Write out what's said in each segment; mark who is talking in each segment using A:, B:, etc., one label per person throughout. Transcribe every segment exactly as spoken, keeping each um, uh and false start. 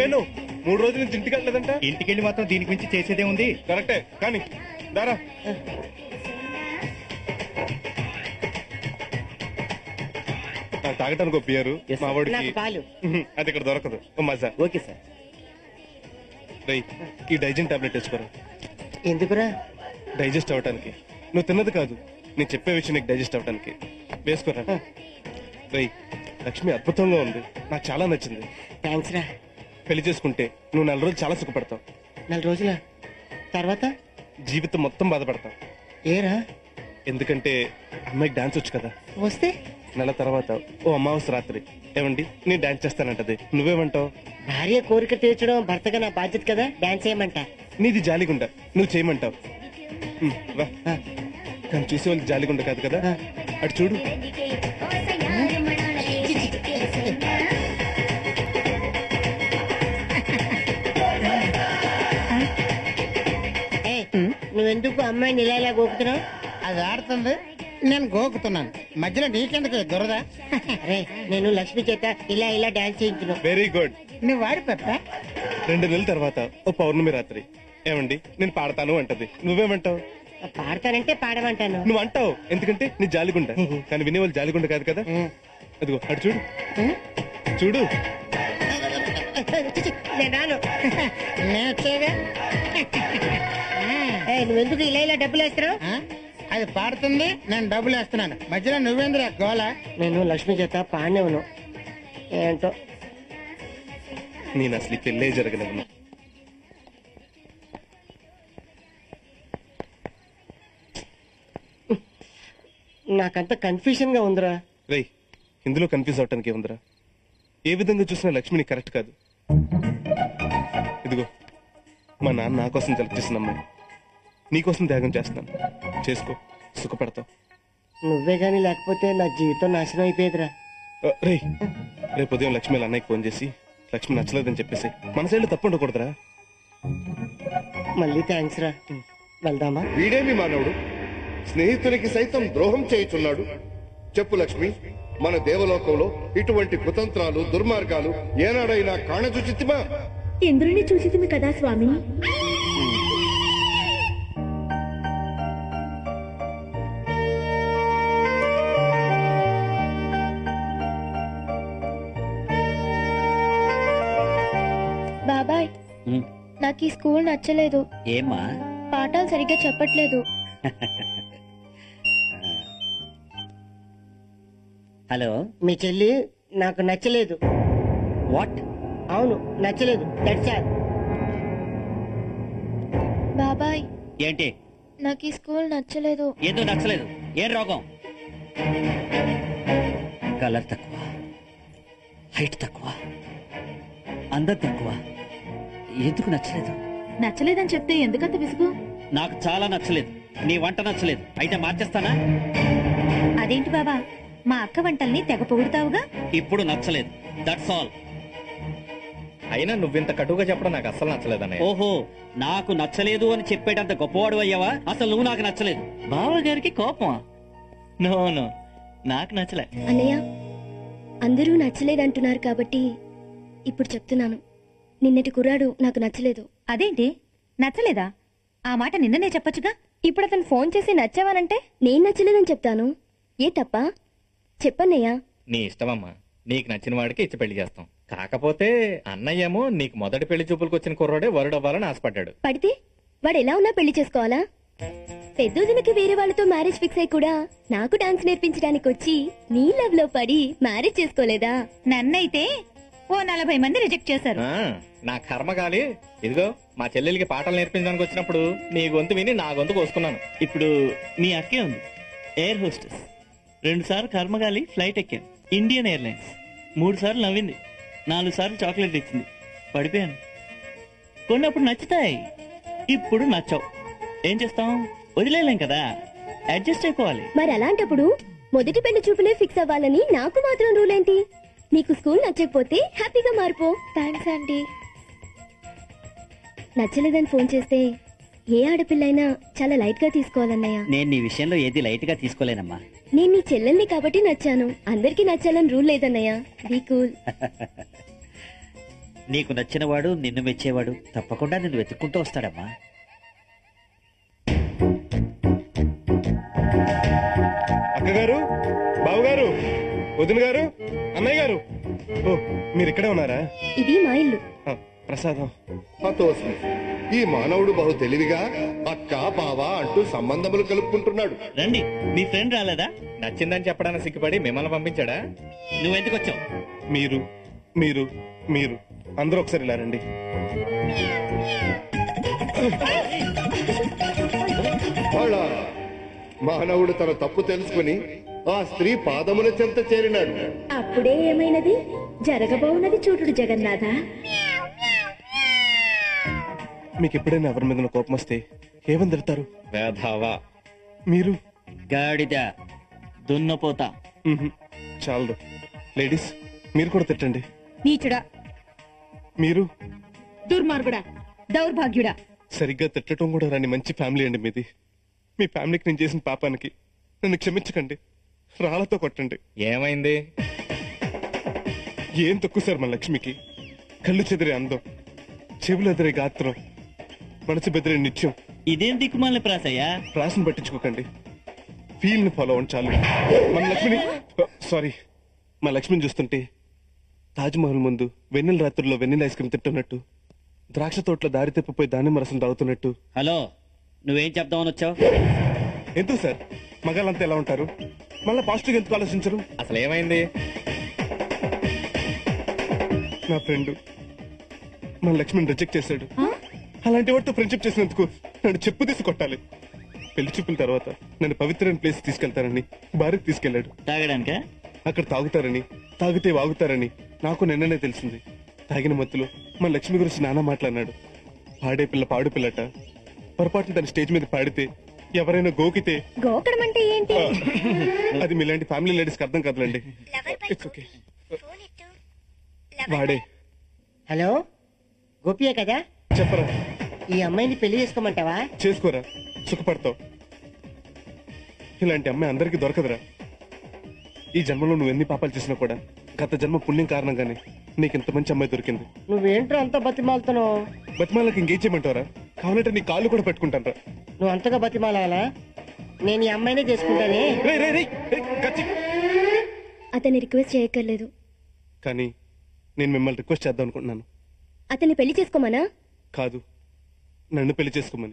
A: వేణు మూడు రోజుల నుంచి ఇంటికి వెళ్ళలేదంట.
B: ఇంటికెళ్ళి మాత్రం దీనికి మించి చేసేదే ఉంది.
A: కరెక్టే కానీ దారా తాగటానికి ఒప్పారు మా వాడికి. అది ఇక్కడ దొరకదు. మజా.
C: Okay sir.
A: రై ఈ డైజెన్ టాబ్లెట్ తెచ్చుకోరా.
C: ఎందుకురా?
A: డైజెస్ట్ అవటానికి. నువ్వు తిన్నది కాదు, నేను చెప్పే విషయం నీకు డైజెస్ట్ అవటానికి. వేసుకోరా. రై లక్ష్మి అద్భుతంగా ఉంది, నాకు చాలా నచ్చింది.
C: థ్యాంక్స్ రా.
A: పెళ్లి చేసుకుంటే నువ్వు నెల రోజులు చాలా సుఖపడతావు.
C: నెల రోజుల తర్వాత
A: జీవితం మొత్తం బాధపడతావు.
C: ఏరా?
A: ఎందుకంటే అమ్మాయికి డాన్స్ వచ్చు కదా.
C: వస్తే
A: నెల తర్వాత ఓ అమావాస్య రాత్రి ఏమండి నేను డాన్స్ చేస్తానంటది. నువ్వేమంటావు?
C: భార్య కోరిక తీర్చడం భర్తగా నా బాధ్యత కదా, డాన్స్ చేయమంటా.
A: నీది జాలిగుండ, నువ్వు చేయమంటావు. ఉమ్, రా. కానీ చూసే వాళ్ళకి జాలిగుండ కాదు కదా, అటు చూడు. నువ్వెందుకు అమ్మాయిని ఇలా ఇలా గోకుతున్నావు?
D: అది ఆడుతుంది, నేను గోకుతున్నాను. మధ్యలో నీకెందుకు దురద?
C: అరే నేను లక్ష్మి చేత ఇలా ఇలా డాన్స్ చేయించున్నావు.
A: Very good.
D: నువ్వు వాడి పెప్ప.
A: రెండు నెలల తర్వాత ఓ పౌర్ణమి రాత్రి ఏమండి నేను పాడతాను అంటది. నువ్వేమంటావు?
C: పాడతానంటే పాడమంటాను.
A: నువ్వు అంటావు ఎందుకంటే నీ జాలిగుండ. కానీ వినేవాళ్ళు జాలిగుండ కాదు కదా. అదిగో అటు చూడు చూడు.
C: నేను రాను.
D: నేను వచ్చేగా.
C: నువ్వెందుకు ఇలా ఇలా డబ్బులు వేస్తున్నావు?
D: అది పాడుతుంది, నేను డబ్బులు వేస్తున్నాను. మధ్యలో నువ్వేంద్రా గోల?
C: నేను లక్ష్మి చేత పాడినేవును. ఏంటో
A: నేను అసలు పెళ్ళే జరగలేను.
C: నాకంత కన్ఫ్యూజన్ గా ఉందిరా.
A: రేయ్ ఇందులో కన్ఫ్యూజ్ అవటానికి ఏముందిరా? ఏ విధంగా చూసినా లక్ష్మిని కరెక్ట్ కాదు. ఇదిగో మా నాన్న నా కోసం సెలెక్ట్ చేసిన అమ్మాయి, నీకోసం త్యాగం చేస్తున్నాను. చేసుకో, సుఖపడతావు.
C: నువ్వే గాని లేకపోతే నా జీవితం నాశనం అయిపోయేదిరా.
A: రేయ్ రేపు ఉదయం లక్ష్మి అన్నయ్యకి ఫోన్ చేసి లక్ష్మి నచ్చలేదని చెప్పేసి మన సైడ్లో తప్పు ఉండకూడదురా.
C: మళ్ళీ థ్యాంక్స్ రా. వెళ్దామా?
E: వీడేమి మానవుడు, స్నేహితునికి సైతం ద్రోహం చేయుచున్నాడు. చెప్పు లక్ష్మి, మన దేవలోకంలో ఇటువంటి కుతంత్రాలు దుర్మార్గాలు ఏనాడైనా కాణజుచితిమా?
F: ఇంద్రుని చూసితిమి కదా స్వామి. బాబాయ్ నాకు ఈ స్కూల్ నచ్చలేదు.
G: ఏమ్మా?
F: పాఠాలు సరిగ్గా చెప్పట్లేదు.
G: హలో,
C: మీ చెల్లి నాకు నచ్చలేదు.
G: వాట్?
C: అవును నచ్చలేదు. That's all.
F: బాబాయ్
G: ఏంటి?
F: నాకు ఈ స్కూల్ నచ్చలేదు.
G: ఏదో నచ్చలేదు? ఏం రోగం? కలర్ తక్కువ, హైట్ తక్కువ, అందం తక్కువ. ఎందుకు నచ్చలేదు?
F: నచ్చలేదని చెప్తే ఎందుకంత విసుగు?
G: నాకు చాలా నచ్చలేదు. నీ వంట నచ్చలేదు. అయితే మార్చేస్తానా?
F: అదేంటి బాబా, మా అక్క వంటల్ని తెగ పొగుడుతావుగా.
G: ఇప్పుడు నచ్చలేదు. That's all.
B: అయినా నువ్వింత కటువుగా చెప్పడం నాకు అస్సలు నచ్చలేదన్నయ్య.
G: ఓహో, నాకు నచ్చలేదు అని చెప్పేటంత గొప్పవాడు అయ్యావా? అసలు నువ్వు నాకు నచ్చలేదు. బావగారికి కోపమా? నో నో, నాకు నచ్చలే.
F: అన్నయ్య, అందరూ నచ్చలేదంటున్నారు కాబట్టి ఇప్పుడు చెప్తున్నాను. నిన్నటి కుర్రాడు నాకు నచ్చలేదు. అదేంటి నచ్చలేదా? ఆ మాట నిన్ననే చెప్పొచ్చుగా. ఇప్పుడు అతను ఫోన్ చేసి నచ్చావానంటే నేను నచ్చలేదని చెప్తాను. ఏ తప్ప? చెప్పన్నయ్యా.
B: నీ ఇష్టమమ్మా, నీకు నచ్చిన వాడికి ఇచ్చి పెళ్లి చేస్తాం. కాకపోతే అన్నయ్యేమో నీకు మొదటి పెళ్లి చూపులకు వచ్చిన కుర్రాడే వరుడవ్వాలని ఆశపడ్డాడు.
F: పడితే వాడు ఎలా ఉన్నా పెళ్లి చేసుకోవాలా? పెద్దోదినకి వేరే వాళ్ళతో మ్యారేజ్ ఫిక్స్ అయి కూడా నాకు డాన్స్ నేర్పించడానికి వచ్చి నీ లవ్ లో పడి మ్యారేజ్ చేసుకోలేదా? నన్నైతే ఓ నలభై మంది రిజెక్ట్ చేశారు.
B: నా కర్మగాలి. ఇదిగో మా చెల్లెలికి పాటలు నేర్పించడానికి వచ్చినప్పుడు నీ గొంతు విని నా గొంతు కోసుకున్నాను.
G: ఇప్పుడు నీ అక్కే ఉంది, ఎయిర్ హోస్టెస్. రెండు సార్లు కర్మగాలి ఫ్లైట్ ఎక్కాను, ఇండియన్ ఎయిర్లైన్స్. మూడు సార్లు నవ్వింది, నాలుగు సార్లు చాక్లెట్ ఇచ్చింది, పడిపోయాను. కొన్నప్పుడు నచ్చుతాయి, ఇప్పుడు నచ్చావు. ఏం చేస్తాం? వదిలేలేం కదా, అడ్జస్ట్ అయిపోవాలి.
F: మరి అలాంటప్పుడు మొదటి పెళ్లి చూపులే ఫిక్స్ అవ్వాలని నాకు మాత్రం రూల్ ఏంటి? నీకు స్కూల్ నచ్చకపోతే హ్యాపీగా మారిపో. Thanks aunty. నచ్చలేదని ఫోన్ చేస్తే ఏ ఆడపిల్లైనా చాలా లైట్ గా తీసుకోవాలన్నయ్య.
G: నేను నీ విషయంలో ఏది లైట్ గా తీసుకోలేనమ్మా.
F: నేను నీ చెల్లెల్ని కాబట్టి నచ్చాను, అందరికీ నచ్చాలని రూల్ లేదన్నయ్య. Be cool.
H: నీకు నచ్చినవాడు నిన్ను మెచ్చేవాడు తప్పకుండా నిన్ను వెతుక్కుంటూ వస్తాడమ్మా.
A: అక్కగారు, బావగారు, వదిన గారు, అన్నయ్య గారు. ఓ, మీరు ఇక్కడే ఉన్నారా?
F: ఇది మా ఇల్లు.
A: ఆ, ప్రసాదం.
E: హతోస్మి. ఈ మానవుడు బహు తెలివిగా అక్క బావ అంటూ సంబంధములు కలుపుకుంటున్నాడు.
G: రండి, మీ ఫ్రెండ్ రాలేదా?
B: నచ్చిందని చెప్పడానికి సిగ్గుపడి మిమ్మల్ని పంపించాడా?
G: నువ్వెందుకు వచ్చావు?
A: మీరు మీరు మీరు అందరూ ఒకసారి ఇలా రండి.
E: వాళ్ళ మానవుడు తన తప్పు తెలుసుకుని ఆ స్త్రీ పాదముల చెంత చేరినాడు.
F: అప్పుడే ఏమైనది జరగబోవున్నది చూటుడు జగన్నాథ.
A: మీకు ఎప్పుడైనా ఎవరి మీద కోపం వస్తే ఏమని తిడతారు?
B: వేధావా.
A: మీరు?
H: గాడిద.
G: దున్నపోతా.
A: మ్హూ. చాలు. లేడీస్, మీరు కూడా తిట్టండి.
F: నీచుడా,
A: మీరు?
F: దుర్మార్గుడా, దౌర్భాగ్యుడా.
A: సరిగ్గా తిట్టడం కూడా రాని మంచి ఫ్యామిలీ అండి మీది. మీ ఫ్యామిలీకి నేను చేసిన పాపానికి నన్ను క్షమించకండి. రాళ్లతో కొట్టండి.
B: ఏమైంది?
A: ఏం తక్కువ సార్ మన లక్ష్మికి? కళ్ళు చెదిరే అందం, చెవులు ఎదిరే గాత్రం, మనసు బెదిరే నిత్యం.
G: ఇదేం దిక్కుమాల ప్రాసయ్యా?
A: రాసిని పట్టించుకోకండి, ఫీల్ ని ఫాలో అవ్వండి చాలు. మన లక్ష్మిని సారీ మా లక్ష్మిని చూస్తుంటే తాజ్మహల్ ముందు వెన్నెల రాత్రుల్లో వెన్నెల ఐస్ క్రీమ్ తింటున్నట్టు, ద్రాక్ష తోటలో దారి తప్పిపోయి దానిమ్మ రసం తాగుతున్నట్టు.
H: హలో, నువ్వేం చెప్దామని వచ్చావు?
A: ఎందుకు సార్ మగాళ్ళంతా ఎలా ఉంటారు? మళ్ళీ పాజిటివ్ ఎందుకు ఆలోచించరు?
B: అసలు ఏమైంది?
A: నా ఫ్రెండ్ మన లక్ష్మిని రిజెక్ట్ చేశాడు. అలాంటి వాటితో ఫ్రెండ్షిప్ చేసినందుకు నన్ను చెప్పు తీసి కొట్టాలి. పెళ్లి చూపుల తర్వాత నన్ను పవిత్రమైన ప్లేస్ తీసుకెళ్తారని భారత్ తీసుకెళ్లాడు.
G: తాగడానికా?
A: అక్కడ తాగుతారని, తాగితే వాగుతారని నాకు నిన్ననే తెలిసింది. తాగిన మత్తులో మన లక్ష్మి గురించి నానా మాట్లాడినాడు. పాడే పిల్ల పాడు పిల్లట. పొరపాటున తన స్టేజ్ మీద పాడితే ఎవరైనా గోకితే
F: గోకడం అంటే ఏంటి?
A: అది మీలాంటి ఫ్యామిలీ లేడీస్కి అర్థం కాదులండి. It's okay. వాడే.
C: హలో, గోపియే కదా?
A: చెప్పరా.
C: ఈ అమ్మాయిని పెళ్లి చేసుకోమంటావా?
A: చేసుకోరా, సుఖపడతావు. ఇలాంటి అమ్మాయి అందరికీ దొరకదురా. ఈ జన్మలో నువ్వు ఎన్ని పాపాలు చేసినా కూడా గత జన్మ పుణ్యం కారణంగానే నీకు ఇంత మంచి అమ్మాయి దొరికింది.
C: నువ్వేంట్రా అంత బతిమాలుతున్నావు?
A: బతిమాలకి ఇంకేం చేయమంటావరా? కావాలంటే నీ కాళ్ళు కూడా పెట్టుకుంటాను.
C: నువ్వు అంతగా బతిమాలాలా? నేను ఈ అమ్మాయినే చేసుకుంటానే.
F: అతన్ని రిక్వెస్ట్ చేయక్కర్లేదు.
A: కానీ నేను మిమ్మల్ని రిక్వెస్ట్ చేద్దాం అనుకుంటున్నాను.
F: అతన్ని పెళ్లి చేసుకోమనా?
A: కాదు, నన్ను పెళ్లి చేసుకోమని.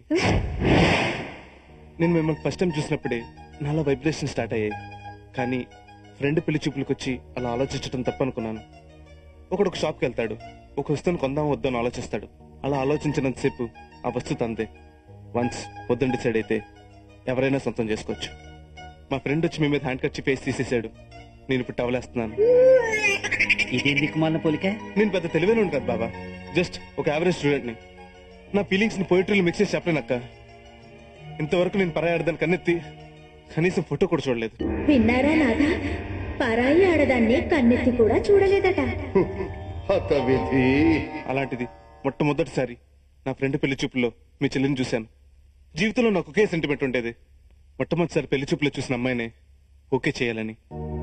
A: నేను మిమ్మల్ని ఫస్ట్ టైం చూసినప్పుడే నాలో వైబ్రేషన్ స్టార్ట్ అయ్యాయి. కానీ ఫ్రెండ్ పెళ్లి చూపులకు వచ్చి అలా ఆలోచించడం తప్పనుకున్నాను. ఒకడు ఒక షాప్కి వెళ్తాడు, ఒక వస్తువుని కొందాం వద్దని ఆలోచిస్తాడు. అలా ఆలోచించినంతసేపు ఆ వస్తువు తందే. వన్స్ వద్దని డిసైడ్ అయితే ఎవరైనా సొంతం చేసుకోవచ్చు. మా ఫ్రెండ్ వచ్చి మీ మీద హ్యాండ్ కట్ పేసి తీసేశాడు. నేను ఇప్పుడు టవలేస్తున్నాను.
H: ఇదేం దిక్కుమాలిన పోలిక?
A: నేను పెద్ద తెలివైన కదా బాబా, జస్ట్ ఒక యావరేజ్ స్టూడెంట్ ని. నా ఫీలింగ్స్ ని పోయిటరీలు మిక్స్ చేసి చెప్పలేనక్క. ఇంతవరకు నేను పరాయి ఆడదాన్ని కన్నెత్తి కనీసం ఫోటో కూడా చూడలేదు.
F: విన్నారా నాదా? పరాయి ఆడదాన్ని కన్నెత్తి కూడా చూడలేదట.
E: హతవిధి.
A: అలాంటిది మొట్టమొదటిసారి నా ఫ్రెండ్ పెళ్లి చూపుల్లో మీ చెల్లిని చూశాను. జీవితంలో నాకు ఒకే సెంటిమెంట్ ఉండేది, మొట్టమొదటిసారి పెళ్లి చూపులో చూసిన అమ్మాయినే ఓకే చేయాలని.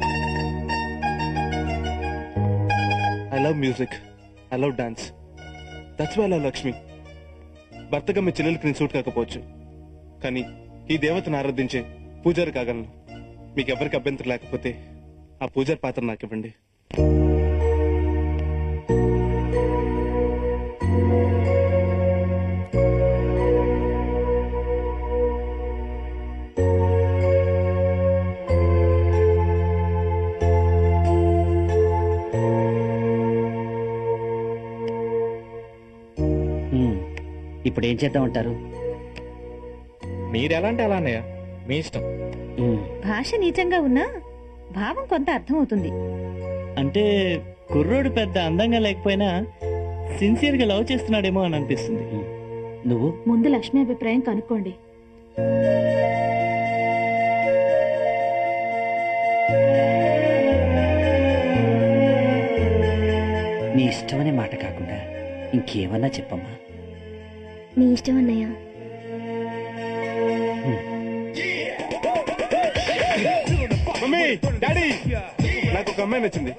A: I love music, I love dance, that's why I love Lakshmi. భర్తగా మీ చెల్లెలకి నేను సూట్ కాకపోవచ్చు, కానీ ఈ దేవతను ఆరాధించే పూజారి కాగలను. మీకు ఎవరికి అభ్యంతరం లేకపోతే ఆ పూజారి పాత్ర నాకు ఇవ్వండి.
H: ఇప్పుడు ఏం చేద్దామంటారు?
B: మీరెలాంటి అలా అన్నయ్య, మీ ఇష్టం.
I: భాష నీచంగా ఉన్నా భావం కొంత అర్థమవుతుంది.
G: అంటే కుర్రోడు పెద్ద అందంగా లేకపోయినా సిన్సియర్ గా లవ్ చేస్తున్నాడేమో అని అనిపిస్తుంది.
H: నువ్వు
I: ముందు లక్ష్మి అభిప్రాయం కనుక్కోండి.
H: నీ ఇష్టమనే మాట కాకుండా ఇంకేమన్నా చెప్పమ్మా.
F: మీ ఇష్టం అన్నయ్య.
A: మమ్మీ, డాడీ, నాకు ఒక అమ్మాయి నచ్చింది.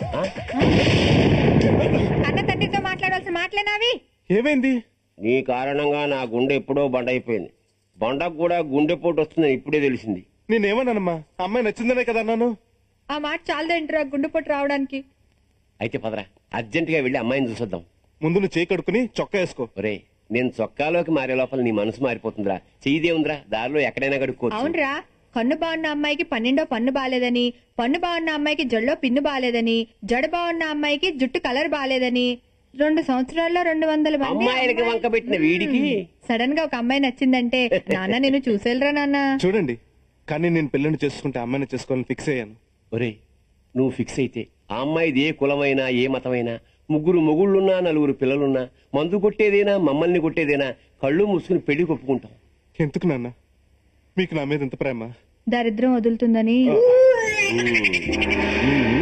I: అన్న తండ్రితో మాట్లాడాల్సిన మాటలేనావి?
A: ఏమైంది?
J: నీ కారణంగా నా గుండె ఎప్పుడో బండ అయిపోయింది. బండకు కూడా గుండెపోటు వస్తుందని ఇప్పుడే తెలిసింది.
A: నేనేమన్నానమ్మా? అమ్మాయి నచ్చిందనే కదా అన్నాను.
I: ఆ మాట చాలదేంట్రా గుండెపోటు రావడానికి?
J: అయితే పదరా, అర్జెంట్ గా వెళ్ళి అమ్మాయిని చూసొద్దాం.
A: ముందు నువ్వు చేయి కడుక్కుని చొక్కా వేసుకో.
J: ఒరే, నేను చొక్కాలోకి మారే లోపల నీ మనసు మారిపోతుందిరా. చెయ్యిదే ఉందిరా, దారిలో ఎక్కడైనా కడుక్కోవచ్చు.
I: అవునరా, కన్ను బాగున్న అమ్మాయికి పన్నెండో పన్ను బాలేదని, పన్ను బాగున్న అమ్మాయికి జల్లో పిన్ను బాలేదని, జడ బాగున్న అమ్మాయికి జుట్టు కలర్ బాలేదని, రెండు సంవత్సరాల్లో రెండు వందల మంది
J: అమ్మాయిలకి వంక పెట్టిన వీడికి
I: సడన్ గా ఒక అమ్మాయి నచ్చిందంటే నాన్న నేను చూసేలరా నాన్న.
A: చూడండి, కానీ నేను పిల్లని చేసుకుంటే అమ్మాయిని చేసుకోవాలని ఫిక్స్ అయ్యాను.
J: ఒరే, నువ్వు ఫిక్స్ అయితే ఆ అమ్మాయిది ఏ కులమైనా ఏ మతమైనా, ముగ్గురు మొగుళ్ళున్నా నలుగురు పిల్లలున్నా, మందు కొట్టేదేనా మమ్మల్ని కొట్టేదేనా, కళ్ళు మూసుకుని పెళ్లి కొప్పుకుంటాం.
A: ఎందుకు నాన్న మీకు నా మీద ఎంత ప్రేమ?
I: దరిద్రం వదులుతుందని.